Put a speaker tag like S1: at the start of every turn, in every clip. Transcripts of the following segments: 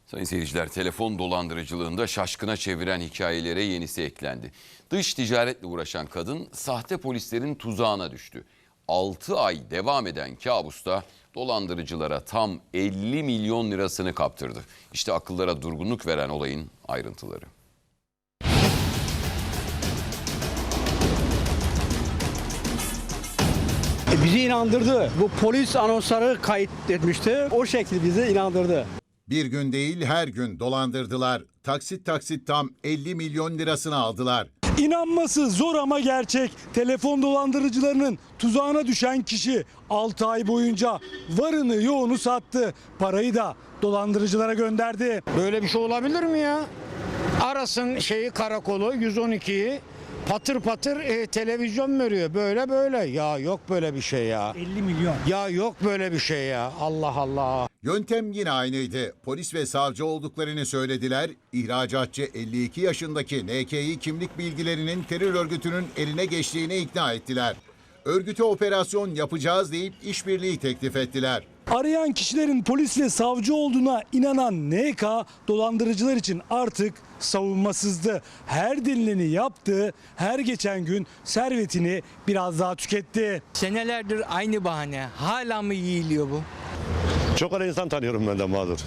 S1: Sayın seyirciler, telefon dolandırıcılığında şaşkına çeviren hikayelere yenisi eklendi. Dış ticaretle uğraşan kadın sahte polislerin tuzağına düştü. 6 ay devam eden kabusta dolandırıcılara tam 50 milyon lirasını kaptırdı. İşte akıllara durgunluk veren olayın ayrıntıları.
S2: Bizi inandırdı. Bu polis anonsları kayıt etmişti. O şekilde bizi inandırdı.
S3: Bir gün değil her gün dolandırdılar. Taksit taksit tam 50 milyon lirasını aldılar.
S4: İnanması zor ama gerçek. Telefon dolandırıcılarının tuzağına düşen kişi 6 ay boyunca varını yoğunu sattı. Parayı da dolandırıcılara gönderdi.
S2: Böyle bir şey olabilir mi ya? Arasın karakolu 112'yi patır patır televizyon veriyor. Böyle. Ya yok böyle bir şey ya.
S4: 50 milyon.
S2: Ya yok böyle bir şey ya. Allah Allah.
S3: Yöntem yine aynıydı. Polis ve savcı olduklarını söylediler. İhracatçı 52 yaşındaki NK'yi kimlik bilgilerinin terör örgütünün eline geçtiğine ikna ettiler. Örgüte operasyon yapacağız deyip işbirliği teklif ettiler.
S4: Arayan kişilerin polis ve savcı olduğuna inanan NK dolandırıcılar için artık savunmasızdı. Her denileni yaptı, her geçen gün servetini biraz daha tüketti.
S5: Senelerdir aynı bahane. Hala mı yiyiliyor bu?
S6: Çok ara insan tanıyorum ben de mağdur.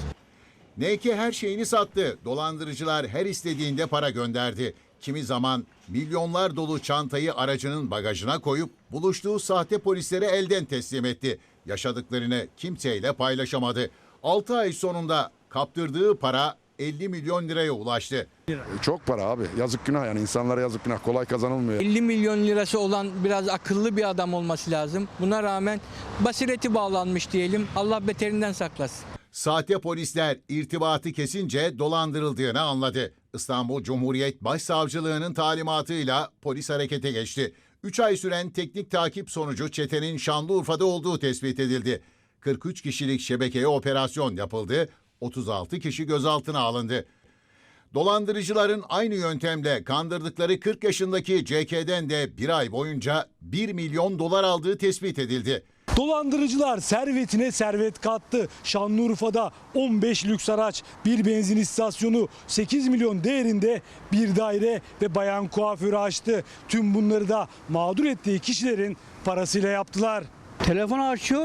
S3: NK her şeyini sattı. Dolandırıcılar her istediğinde para gönderdi. Kimi zaman milyonlar dolu çantayı aracının bagajına koyup buluştuğu sahte polislere elden teslim etti. Yaşadıklarını kimseyle paylaşamadı. 6 ay sonunda kaptırdığı para 50 milyon liraya ulaştı.
S7: Çok para abi. Yazık günah yani insanlara yazık günah. Kolay kazanılmıyor.
S5: 50 milyon lirası olan biraz akıllı bir adam olması lazım. Buna rağmen basireti bağlanmış diyelim. Allah beterinden saklasın.
S3: Sahte polisler irtibatı kesince dolandırıldığını anladı. İstanbul Cumhuriyet Başsavcılığı'nın talimatıyla polis harekete geçti. 3 ay süren teknik takip sonucu çetenin Şanlıurfa'da olduğu tespit edildi. 43 kişilik şebekeye operasyon yapıldı. 36 kişi gözaltına alındı. Dolandırıcıların aynı yöntemle kandırdıkları 40 yaşındaki CK'den de bir ay boyunca 1 milyon dolar aldığı tespit edildi.
S4: Dolandırıcılar servetine servet kattı. Şanlıurfa'da 15 lüks araç, bir benzin istasyonu, 8 milyon değerinde bir daire ve bayan kuaförü açtı. Tüm bunları da mağdur ettiği kişilerin parasıyla yaptılar.
S2: Telefonu açıyor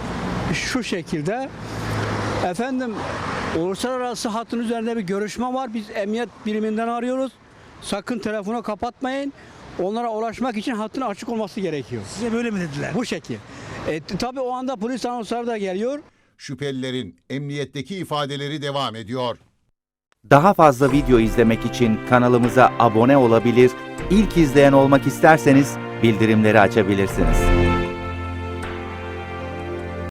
S2: şu şekilde. Efendim uluslararası hattın üzerinde bir görüşme var. Biz emniyet biriminden arıyoruz. Sakın telefonu kapatmayın. Onlara ulaşmak için hattın açık olması gerekiyor.
S4: Size böyle mi dediler?
S2: Bu şekil. Tabii o anda polis anonsları da geliyor.
S3: Şüphelilerin emniyetteki ifadeleri devam ediyor.
S8: Daha fazla video izlemek için kanalımıza abone olabilir, ilk izleyen olmak isterseniz bildirimleri açabilirsiniz.